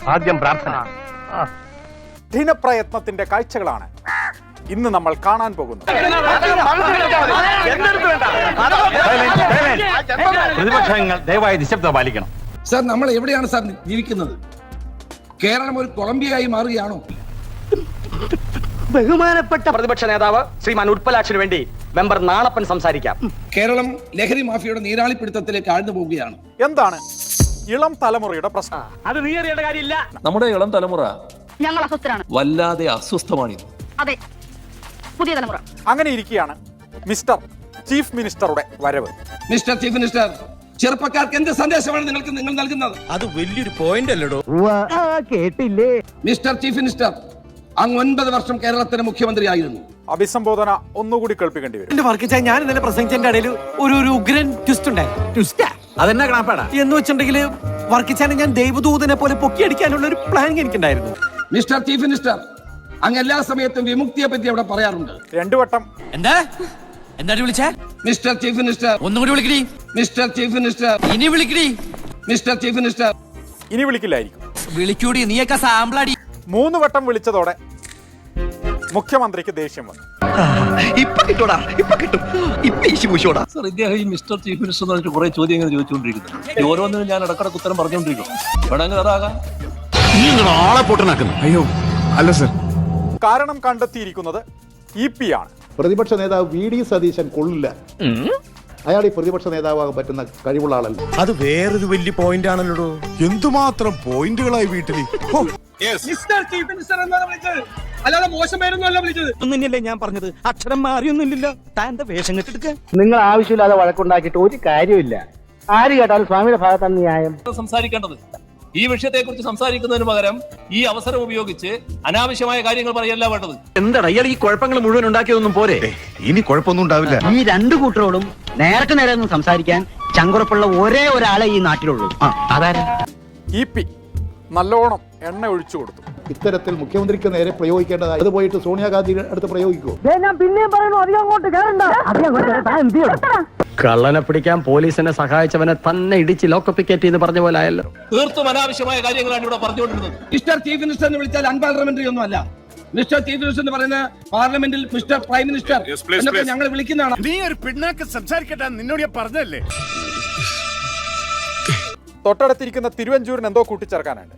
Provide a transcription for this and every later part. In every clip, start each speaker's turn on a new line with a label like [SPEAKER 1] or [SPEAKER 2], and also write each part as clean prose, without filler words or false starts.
[SPEAKER 1] ആദ്യം പ്രാർത്ഥന.
[SPEAKER 2] കഠിനപ്രയത്നത്തിന്റെ കാഴ്ചകളാണ് ഇന്ന് നമ്മൾ കാണാൻ പോകുന്നത്.
[SPEAKER 1] പ്രതിപക്ഷങ്ങൾ ദയവായി നിശബ്ദത പാലിക്കണം.
[SPEAKER 3] സാർ, നമ്മൾ എവിടെയാണ് സാർ ജീവിക്കുന്നത്? കേരളം ഒരു കൊളംബിയയായി മാറുകയാണോ?
[SPEAKER 4] ബഹുമാനപ്പെട്ട പ്രതിപക്ഷ നേതാവ് ശ്രീമാൻ ഉൽപ്പലാക്ഷിന് വേണ്ടി മെമ്പർ നാണപ്പൻ സംസാരിക്കാം.
[SPEAKER 3] കേരളം ലഹരി മാഫിയയുടെ നീരാളിപ്പിടുത്തത്തിലേക്ക് ആഴ്ന്നു പോവുകയാണ്.
[SPEAKER 2] എന്താണ് ഇളം തലമുറയുടെ പ്രശ്നം?
[SPEAKER 4] അത് നീ അറിയേണ്ട കാര്യമില്ല.
[SPEAKER 5] നമ്മുടെ ഇളം തലമുറ
[SPEAKER 6] ഞങ്ങൾ അസ്വസ്ഥരാണ്.
[SPEAKER 5] വല്ലാതെ അസ്വസ്ഥമാണിത്.
[SPEAKER 6] അതെ, പുതിയ തലമുറ.
[SPEAKER 2] അങ്ങനെ ഇരിക്കുകയാണ് മിസ്റ്റർ ചീഫ് മിനിസ്റ്ററുടെ വരവ്.
[SPEAKER 3] മിസ്റ്റർ ചീഫ് മിനിസ്റ്റർ, ചെറുപ്പക്കാർക്ക് എന്ത് സന്ദേശമാണ് നിങ്ങൾ നൽകുന്നത്?
[SPEAKER 7] അത് വലിയൊരു പോയിന്റ് അല്ലടോ.
[SPEAKER 4] കേട്ടില്ലേ?
[SPEAKER 3] മിസ്റ്റർ ചീഫ് മിനിസ്റ്റർ, അങ്ങ് 9 വർഷം കേരളത്തിന്റെ മുഖ്യമന്ത്രിയായിരുന്നു.
[SPEAKER 2] അഭിസംബോധന ഒന്നുകൂടി കേൾപ്പിക്കേണ്ടി വരും.
[SPEAKER 8] എന്റെ വർക്കിച്ച ഞാൻ ഇന്നലെ പ്രസംഗിച്ചതിന്റെ ഇടയിൽ ഒരു ഉഗ്രൻ ട്വിസ്റ്റ് ഉണ്ടായി.
[SPEAKER 7] അതെന്നാ കണപ്പാടാ
[SPEAKER 8] എന്ന് വെച്ചിട്ടുണ്ടെങ്കിൽ വർക്കിച്ചാനെ ഞാൻ ദൈവദൂതനെ പോലെ പൊക്കിയടിക്കാനുള്ള ഒരു പ്ലാൻ എനിക്കുണ്ടായിരുന്നു.
[SPEAKER 3] മിസ്റ്റർ ചീഫ് മിനിസ്റ്റർ, അങ്ങ് എല്ലാ സമയത്തും വിമുക്തിയെ പറ്റി അവിടെ പറയാറുണ്ട്.
[SPEAKER 2] 2 വട്ടം
[SPEAKER 7] എന്താ വിളിച്ചേ?
[SPEAKER 3] മിസ്റ്റർ ചീഫ് മിനിസ്റ്റർ,
[SPEAKER 7] ഒന്നുകൂടി വിളിക്കടി.
[SPEAKER 3] മിസ്റ്റർ ചീഫ് മിനിസ്റ്റർ,
[SPEAKER 7] ഇനി വിളിക്കടി.
[SPEAKER 3] Mister chief minister.
[SPEAKER 2] ഇനി വിളിക്കില്ലായിരിക്കും.
[SPEAKER 7] വിളിക്കൂടി, നീയൊക്കെ സാമ്പിളാടി.
[SPEAKER 2] 3 വട്ടം വിളിച്ചതോടെ മുഖ്യമന്ത്രിക്ക് ദേഷ്യം വന്നു.
[SPEAKER 5] സർ, ഇദ്ദേഹം ഈ മിസ്റ്റർ ചീഫ് മിനിസ്റ്റർ എന്ന് പറഞ്ഞിട്ട് കുറെ ചോദ്യങ്ങൾ ചോദിച്ചുകൊണ്ടിരിക്കുന്നത്. ഓരോന്നിനും ഞാൻ ഇടക്കിടക്ക് ഉത്തരം പറഞ്ഞുകൊണ്ടിരിക്കും. വേണമെങ്കിൽ അതാകാം.
[SPEAKER 7] ആളെ പൊട്ടനാക്കുന്നു. അയ്യോ അല്ല സർ.
[SPEAKER 2] കാരണം കണ്ടെത്തിയിരിക്കുന്നത് EP ആണ്.
[SPEAKER 9] പ്രതിപക്ഷ നേതാവ് VD സതീശൻ കൊള്ളില്ല. അയാൾ ഈ പ്രതിപക്ഷ നേതാവാകാൻ പറ്റുന്ന കഴിവുള്ള ആളല്ല.
[SPEAKER 7] അത് വേറൊരു വലിയ പോയിന്റ് ആണല്ലോ. എന്തുമാത്രം പോയിന്റുകളായി വീട്ടിൽ.
[SPEAKER 3] മിസ്റ്റർ ചീഫ് മിനിസ്റ്റർ എന്നാണ് വിളിച്ചത്, അല്ലാതെ മോശമായിരുന്നല്ല വിളിച്ചത്.
[SPEAKER 7] ഒന്നുമില്ലേ ഞാൻ പറഞ്ഞത്? അക്ഷരം മാറിയൊന്നുമില്ലല്ലോ. താൻ്റെ വേഷം കെട്ടെടുക്ക.
[SPEAKER 4] നിങ്ങൾ ആവശ്യമില്ലാതെ വഴക്കുണ്ടാക്കിയിട്ട് ഒരു കാര്യമില്ല. ആര് കേട്ടാലും സ്വാമിയുടെ ഭാഗത്താണ് ന്യായം.
[SPEAKER 5] സംസാരിക്കേണ്ടത് ഈ വിഷയത്തെക്കുറിച്ച് സംസാരിക്കുന്നതിന് പകരം ഈ അവസരം ഉപയോഗിച്ച് അനാവശ്യമായ കാര്യങ്ങൾ പറയല്ല വേണ്ടത്.
[SPEAKER 4] എന്താണ് ഇയാൾ ഈ കുഴപ്പങ്ങൾ മുഴുവൻ ഉണ്ടാക്കിയതൊന്നും പോരെ?
[SPEAKER 7] ഇനി കുഴപ്പമൊന്നും ഉണ്ടാവില്ല.
[SPEAKER 4] ഈ 2 കൂട്ടരോടും നേരത്തെ നേരെ ഒന്നും സംസാരിക്കാൻ ചങ്കുറപ്പുള്ള ഒരേ ഒരാളെ ഈ നാട്ടിലുള്ളൂ. അതാരാ?
[SPEAKER 2] EP നല്ലോണം എണ്ണ ഒഴിച്ചു കൊടുത്തു.
[SPEAKER 9] ഇത്തരത്തിൽ മുഖ്യമന്ത്രിക്ക് നേരെ പ്രയോഗിക്കേണ്ടതായി അത് പോയിട്ട് സോണിയാഗാന്ധിയുടെ അടുത്ത് പ്രയോഗിക്കുമോ?
[SPEAKER 4] ഞാൻ പിന്നെയും പറയുന്നു, അധികം അങ്ങോട്ട് കേറണ്ട. കള്ളനെ പിടിക്കാൻ പോലീസിനെ സഹായിച്ചവനെ തന്നെ ഇടിച്ച് ലോക്കപ്പിക്കേറ്റ് എന്ന് പറഞ്ഞ പോലെ ആയല്ലോ.
[SPEAKER 5] തീർത്തും അനാവശ്യമായ കാര്യങ്ങളാണ് ഇവിടെ പറഞ്ഞുകൊണ്ടിരുന്നത്.
[SPEAKER 3] മിസ്റ്റർ ചീഫ് മിനിസ്റ്റർ എന്ന് വിളിച്ചാൽ അൺപാർലമെന്ററി ഒന്നും അല്ല. മിസ്റ്റർ ചീഫ് മിനിസ്റ്റർ എന്ന് പറയുന്ന പാർലമെന്റിൽ മിസ്റ്റർ പ്രൈം മിനിസ്റ്റർ എന്നൊക്കെ ഞങ്ങൾ വിളിക്കുന്നതാണ്.
[SPEAKER 7] നീ ഒരു പിണ്ണാക്ക് സംസാരിക്കട്ടെ, നിന്നോട് ഞാൻ പറഞ്ഞല്ലേ.
[SPEAKER 2] തൊട്ടടുത്തിരിക്കുന്ന തിരുവഞ്ചൂരിന് എന്തോ കൂട്ടിച്ചേർക്കാനുണ്ട്.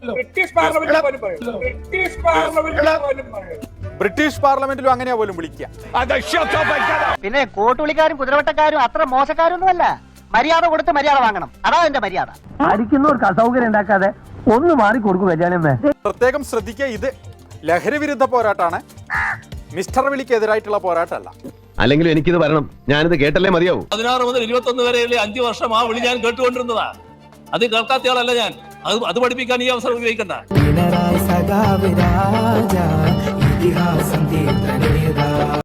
[SPEAKER 2] ബ്രിട്ടീഷ് പാർലമെന്റിലും അങ്ങനെയാ പോലും വിളിക്കുക.
[SPEAKER 4] പിന്നെ കോട്ടുളിക്കാരും കുതിരവട്ടക്കാരും അത്ര മോശക്കാരൊന്നുമല്ല. മര്യാദ കൊടുത്ത് മര്യാദ വാങ്ങണം. അതാ എന്റെ മര്യാദ. അടിക്കുന്നവർക്ക് അസൗകര്യം ഉണ്ടാക്കാതെ ഒന്ന് മാറി കൊടുക്കും. കല്യാണമേ,
[SPEAKER 2] പ്രത്യേകം ശ്രദ്ധിക്കുക, ഇത് ലഹരി വിരുദ്ധ പോരാട്ടമാണ്, മിസ്റ്റർ വിളിക്കെതിരായിട്ടുള്ള പോരാട്ടമല്ല.
[SPEAKER 1] അല്ലെങ്കിലും എനിക്കിത് വരണം. ഞാനിത് കേട്ടല്ലേ മതിയാവും.
[SPEAKER 5] 16 മുതൽ 21 വരെയുള്ള 5 വർഷം ആ വിളി ഞാൻ കേട്ടുകൊണ്ടിരുന്നതാ. അത് കേൾക്കാത്തയാളല്ല ഞാൻ. അത് പഠിപ്പിക്കാൻ ഈ അവസരം ഉപയോഗിക്കണ്ട.